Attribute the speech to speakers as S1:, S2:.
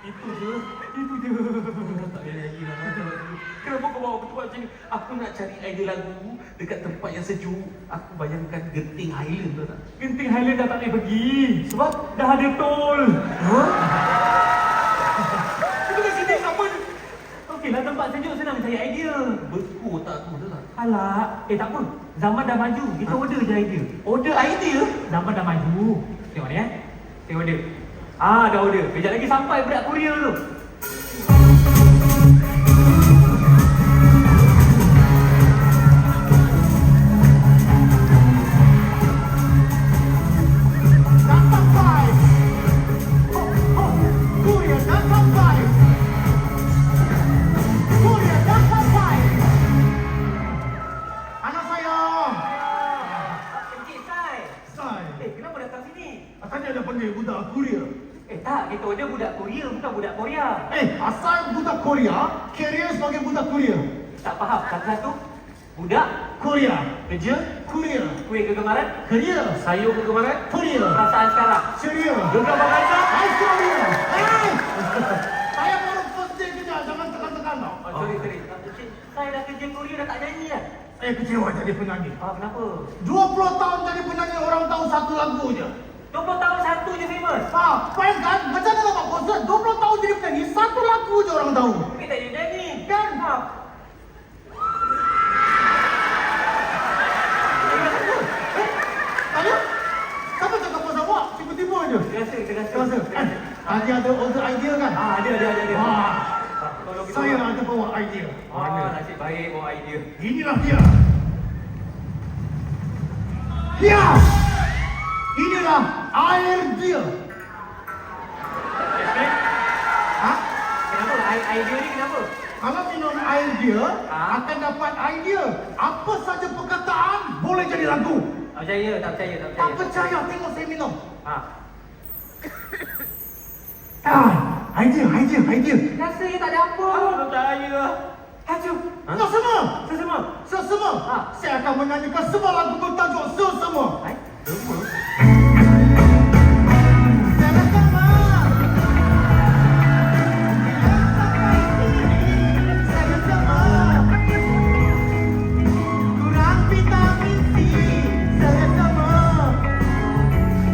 S1: Itu je. Tak boleh lagi lah. Kenapa kau bawa aku tempat macam ni? Aku nak cari idea lagu dekat tempat yang sejuk. Aku bayangkan Genting Highland tu tak?
S2: Genting Highland dah tak boleh pergi. Sebab dah ada tol.
S1: Itu kat sini sama je.
S2: Okeylah, tempat sejuk senang cari idea.
S1: Beku otak aku tu tak?
S2: Alah, tak apa. Zaman dah maju. Kita order je idea.
S1: Order idea?
S2: Zaman dah maju. Tengok ni Saya order. Dah order. Kejap lagi sampai berat kurier tu. Kita order budak Korea, bukan budak Korea.
S3: Asal budak Korea, carrier sebagai budak Korea.
S2: Tak faham, satu-satu. Budak
S3: Korea,
S1: Kerja?
S3: Korea,
S2: kuih kegemaran,
S3: Korea,
S1: Sayur kegemaran?
S3: Korea,
S2: perasaan sekarang.
S3: Syria,
S1: Gegar bangsa?
S3: Korea. Saya baru first day kerja, jangan tekan-tekan tau.
S2: Sorry. Saya dah kerja Korea dah tak nyanyi dah.
S3: Saya kecewa jadi penyanyi.
S2: Kenapa?
S3: 20 tahun jadi penyanyi, orang tahu satu lagu je.
S2: 20 tahun satu je famous.
S3: Bayangkan, macam mana nak buat konsert, 20 tahun jadi penyanyi, satu lagu je orang tahu.
S2: Tapi tak jadi nyanyi.
S3: Kan? Ayo, siapa cakap pasal awak? Tiba-tiba je.
S2: Terasa.
S3: Dia ada order idea kan?
S2: Ada. Tolong kita.
S3: Saya ada bawa idea.
S2: Nasib baik bawa idea.
S3: Inilah dia. Inilah air dia.
S2: Kenapa? Idea ni kenapa?
S3: Kalau minum air dia, akan dapat idea. Apa saja perkataan boleh jadi lagu.
S2: Tak percaya.
S3: Tak percaya, tengok saya minum. Idea.
S2: Rasanya tak ada apa.
S1: Tak percaya.
S2: Hancur.
S3: Semua. Saya akan menyanyikan semua lagu bertajuk Semua.
S1: Semua?